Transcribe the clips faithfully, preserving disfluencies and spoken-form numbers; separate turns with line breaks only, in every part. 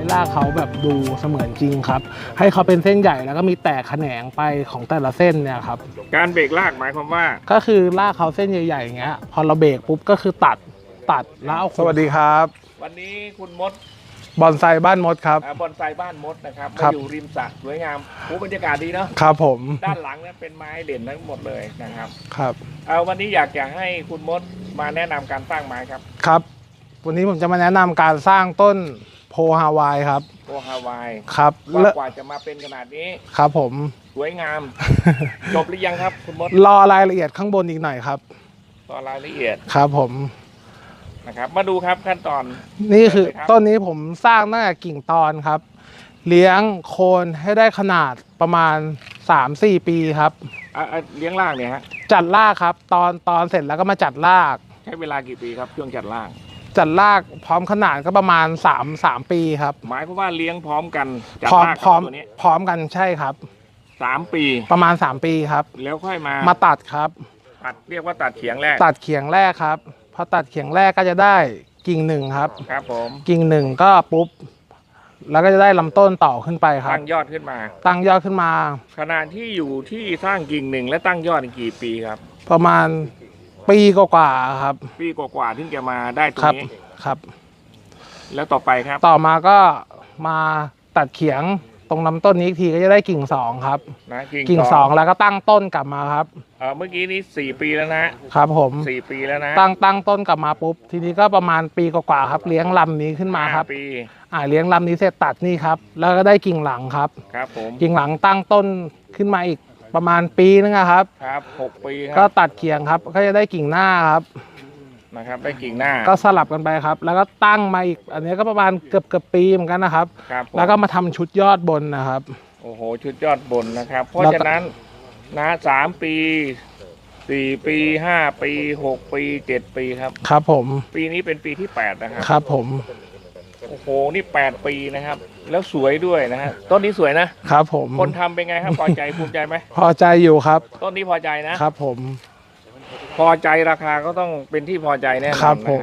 รากเขาแบบดูเสมือนจริงครับให้เขาเป็นเส้นใหญ่แล้วก็มีแตกแขนงไปของแต่ละเส้นเนี่ยครับ
การเบรกรากหมายความว่า
ก็คือรากเขาเส้นใหญ่ๆอย่างเงี้ยพอเราเบรกปุ๊บก็คือตัดตัดแล้วเอาสวัสดีครับ
วันนี้คุณมด
บอนไซบ้านมดครับ
บอนไซบ้านมดนะครับมาอยู่ริมสระสวยงามโอ้บรรยากาศดีเนาะ
ครับผม
ด้านหลังนั้นเป็นไม้เด่นทั้งหมดเลยนะครับ
ครับ
เอาวันนี้อยากจะให้คุณมดมาแนะนำการสร้างไม้ครับ
ครับวันนี้ผมจะมาแนะนำการสร้างต้นโพฮาวายครับ
โพฮาวาย
ครับ
ว่ากว่าจะมาเป็นขนาดนี้
ครับผม
สวยงามจบหรือยังครับคุณมด
รอรายละเอียดข้างบนอีกหน่อยครับ
รอรายละเอียด
ครับผม
นะครับมาดูครับขั้นตอน
นี่คือต้นนี้ผมสร้างตั้งแต่กิ่งตอนครับเลี้ยงโคนให้ได้ขนาดประมาณ สามสี่ ปีครับ
เลี้ยงรากเนี่ยฮะ
จัดรากครับตอนตอนเสร็จแล้วก็มาจัดราก
ใช้เวลากี่ปีครับช่วงจัดราก
จัดรากพร้อมขนาดก็ประมาณสาม สามปีครับ
หมายความว่าเลี้ยงพร้อมกันจัด
ร
าก
พร้อมพร้อมกันใช่ครับ
สามปี
ประมาณสามปีครับ
แล้วค่อยมา
มาตัดครับ
ตัดเรียกว่าตัดเขียงแรก
ตัดเขียงแรกครับพอตัดเขียงแรกก็จะได้กิ่งหนึ่งครับ
ครับผม
กิ่งหนึ่งก็ปุ๊บแล้วก็จะได้ลำต้นต่อขึ้นไปครับ
ตั้งยอดขึ้นมา
ตั้งยอดขึ้นมา
ขนาดที่อยู่ที่สร้างกิ่งหนึ่งและตั้งยอดกี่ปีครับ
ประมาณปีกว่าๆครับ
ปีกว่าๆถึงจะมาได้ตรงนี้
ครับ
แล้วต่อไปครับ
ต่อมาก็มาตัดเขียงตรงลำต้นนี้อีกทีก็จะได้กิ่งสองครับ
นะ
กิ่งสองแล้วก็ตั้งต้นกลับมาครับ
เออเมื่อกี้นี้สี่ปีแล้วนะครับ
ผม
สี่ปีแล้วนะ
ตั้งตั้งต้นกลับมาปุ๊บทีนี้ก็ประมาณปีกว่าๆครับเลี้ยงลำนี้ขึ้นมาครับ
ปี
อ่าเลี้ยงลำนี้เสร็จตัดนี่ครับแล้วก็ได้กิ่งหลังครับ
ครับผม
กิ่งหลังตั้งต้นขึ้นมาอีกประมาณปีนึงครับ
ครับหกปี
ก็ตัดเขียงครับก็จะได้กิ่งหน้าครับ
นะครับได้กิ่งหน้า
ก็สลับกันไปครับแล้วก็ตั้งมาอีกอันนี้ก็ประมาณเกือบเกือบปีเหมือนกันนะครับแล้วก็มาทำชุดยอดบนนะครับ
โอ้โหชุดยอดบนนะครับเพราะฉะนั้นนะสามปีสี่ปีห้าปีหกปีเจ็ดปีครับ
ครับผม
ปีนี้เป็นปีที่แปดนะครับ
ครับผม
โอ้โหนี่แปดปีนะครับแล้วสวยด้วยนะฮะต้นนี้สวยนะครับ
ผม
คนทำเป็นไงครับพอใจภูมิใจไหม
พอใจอยู่ครับ
ต้นนี้พอใจนะครับ
ผม
พอใจราคาก็ต้องเป็นที่พอใจแน่นอน
ครับผม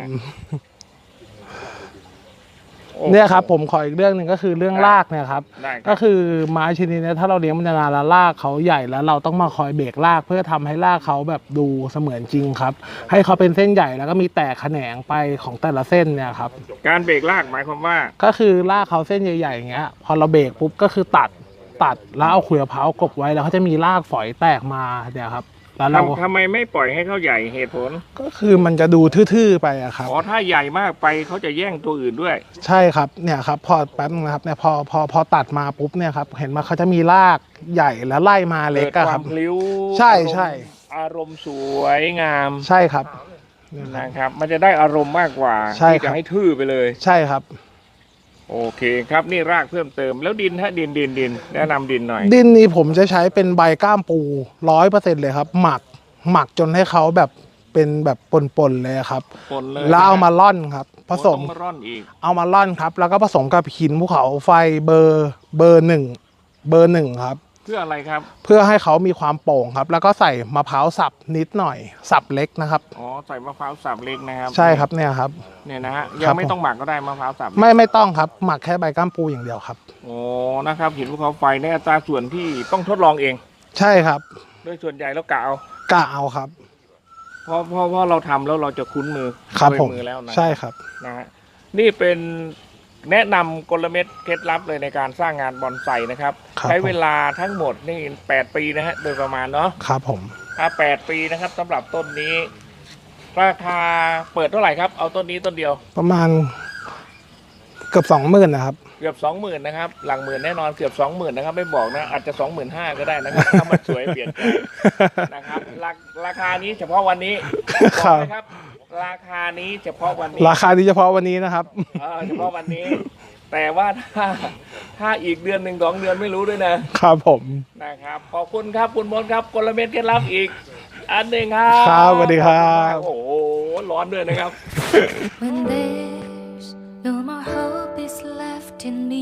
เนี่ยครับผมขออีกเรื่องหนึ่งก็คือเรื่องรากเนี่ยครับก็คือไม้ชนิดนี้ถ้าเราเลี้ยงมันนานแล้วรากเขาใหญ่แล้วเราต้องมาคอยเบรกรากเพื่อทำให้รากเขาแบบดูเสมือนจริงครับให้เขาเป็นเส้นใหญ่แล้วก็มีแตกแขนงไปของแต่ละเส้นเนี่ยครับ
การเบรกรากหมายความว่า
ก็คือรากเขาเส้นใหญ่ๆอย่างเงี้ยพอเราเบรกปุ๊บก็คือตัดตัดแล้วเอาขุยมะพร้าวกบไว้แล้วเขาจะมีรากฝอยแตกมาเนี่ยครับแล้วเรา
ทำไมไม่ปล่อยให้เขาใหญ่เหตุผล
ก็คือมันจะดูทื่อๆไปอะครับ
อ๋อถ้าใหญ่มากไปเขาจะแย่งตัวอื่นด้วย
ใช่ครับเนี่ยครับพอแป๊บนึงนะครับเนี่ยพอพอพอตัดมาปุ๊บเนี่ยครับเห็นว่าเขาจะมีรากใหญ่แล้วไล่มาเล็กอะครับใช่ใช่
อารมณ์สวยงาม
ใช่ครับ
นะครับมันจะได้อารมณ์มากกว่าที่จะให้ทื่อไปเลย
ใช่ครับ
โอเคครับนี่รากเพิ่มเติมแล้วดินฮะดินดินดินแนะนำดินหน่อย
ดินนี้ผมจะใช้เป็นใบก้ามปูร้อยเปอร์เซ็นต์เลยครับหมักหมักจนให้เขาแบบเป็นแบบปนๆเลยครับแล้วเอามาล่อนครับผสมเอามาล่อนครับแล้วก็ผสมกับหินภูเขาไฟเบอร์เบอร์หนึ่งเบอร์หนึ่งครับ
เพื่ออะไรครับ
เพื่อให้เขามีความโป่งครับแล้วก็ใส่มะพร้าวสับนิดหน่อยสับเล็กนะครับ
อ๋อใส่มะพร้าวสับเล็กนะครับ
ใช่ครับเนี่ยครับ
เนี่ยนะฮะยังไม่ต้องหมักก็ได้มะพร้าวสับ
ไม่ไม่ต้องครับหมักแค่ใบก้ามปูอย่างเดียวครับ
โอ้นะครับหินภูเขาไฟในอัตราส่วนที่ต้องทดลองเอง
ใช่ครับ
โดยส่วนใหญ่แล้วกะเอา
กะเอาครับ
เพราะเพราะเพราะเราทำแล้วเราจะคุ้นมือ
ครับผม
มือแล้วนะ
ใช่ครับ
นะฮะนี่เป็นแนะนำกลเม็ดเคล็ดลับเลยในการสร้างงานบอนไซนะครับใช้เวลาทั้งหมดนี่แปดปีนะฮะโดยประมาณเนาะ
ครับผม
ถ้าแปดปีนะครับสำหรับต้นนี้ราคาเปิดเท่าไหร่ครับเอาต้นนี้ต้นเดียว
ประมาณเกือบสองหมื่นนะครับ
เกือบสองหมื่นนะครับหลังหมื่นแน่นอนเกือบสองหมื่นนะครับไม่บอกนะอาจจะสองหมื่นห้าก็ได้นะครับถ้ามันสวยเปลี่ยนใจนะครับราคานี้เฉพาะวันนี้ครับราคานี้เฉพาะวันนี้
ราคานี้เฉพาะวันนี้นะครับ
เออเฉพาะวันนี้แต่ว่าถ้าถ้าอีกเดือนหนึ่งสองเดือนไม่รู้ด้วยนะครับ
ผม
นะครับขอบคุณครับคุณมนครับกลเม็ดเคล็ดลับอีกอันหนึ่งครับ
ครับสวัสดีครับ
โอ้โหร้อนด้วยนะครับ
When there's no more hope is left in me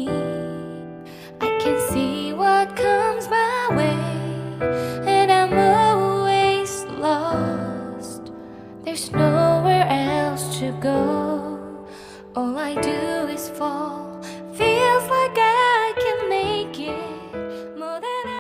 I can see what comes my way and I'm always lost There's nowhere else to go All I do is fall